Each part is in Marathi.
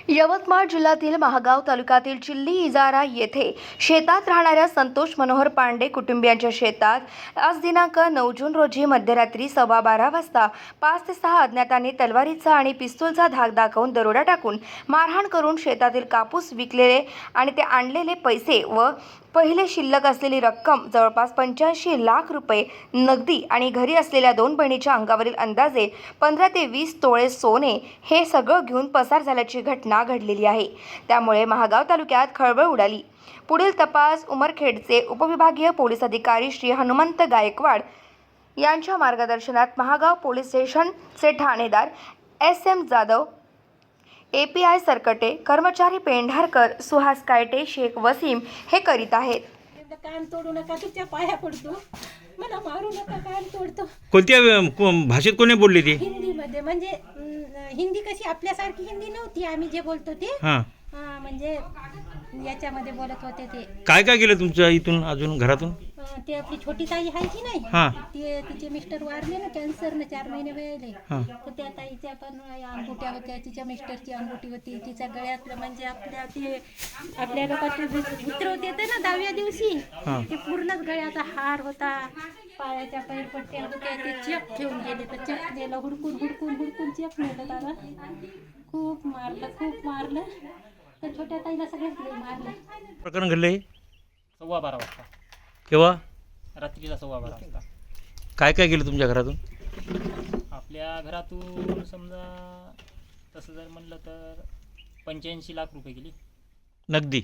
यवतमाळ जिल्ह्यातील महागाव तालुक्यातील चिल्ली इजारा येथे शेतात राहणाऱ्या संतोष मनोहर पांडे कुटुंबियांच्या शेतात आज दिनांक 9 जून रोजी मध्यरात्री 12:15 वाजता 5 ते 6 अज्ञातांनी तलवारीचा आणि पिस्तूलचा धाक दाखवून दरोडा टाकून मारहाण करून शेतातील कापूस विकलेले आणि ते आणलेले पैसे व पहिले शिल्लक असलेली रक्कम जवळपास 85 लाख रुपये नगदी आणि घरी असलेल्या 2 बहिणीच्या अंगावरील अंदाजे 15 ते 20 तोळे सोने हे सगळं घेऊन पसार झाल्याची घटना घडलेली आहे। त्यामुळे महागाव तालुक्यात खळबळ उडाली। पुढील तपास उमरखेडचे उपविभागीय पोलीस अधिकारी श्री हनुमंत गायकवाड यांच्या मार्गदर्शनात महागाव पोलीस स्टेशनचे ठाणेदार SM जाधव, API सरकटे, कर्मचारी पेंढारकर, सुहास कायटे, शेख वसीम हे करीत आहेत। कान तोडू नका, तुझ्या पाया पडतो, मला मारू नका, कान तोडतो। कोणत्या भाषेत कोणी बोलली ती? हिंदीमध्ये, म्हणजे हिंदी कशी आपल्यासारखी हिंदी नव्हती, आम्ही जे बोलतो ते म्हणजे याच्यामध्ये बोलत होते ते। काय काय केलं तुमच्या इथून अजून घरातून? ते आपली छोटी ताई आहे की नाही, ते तिचे मिस्टर वारले ना कॅन्सरने, 4 महिने वेळेले, तर त्या ताईच्या पण अंगुठ्या होत्या, तिच्या मिस्टरची अंगुठी होती, तिच्या गळ्यातलं म्हणजे आपल्या लोकांचे मित्र होते ना 10व्या दिवशी, ते पूर्णच गळ्याचा हार होता, पायाच्या पैरपट्ट्या होत्या, ते चेक ठेवून गेले, तर चेक नेलं, हुडकून चेक नेलं, त्याला खूप मारलं, तर छोट्या ताईला सगळ्यात मारलं। प्रकरण घडलंय 12:15 वाजता, केव्हा? रात्रीला 12:15 वाजता। काय काय केलं तुमच्या घरातून? आपल्या घरातून समजा तसं जर म्हणलं तर 85 लाख रुपये गेली नगदी।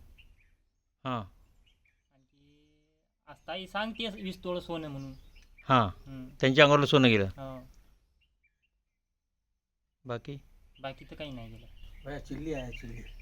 हां, आणखी आज ताई सांगते 20 तोळ सोनं म्हणून। त्यांच्या अंगावरलं सोनं गेलं, बाकी बाकी तर काही नाही गेलं। चिल्ली आहे चिल्ली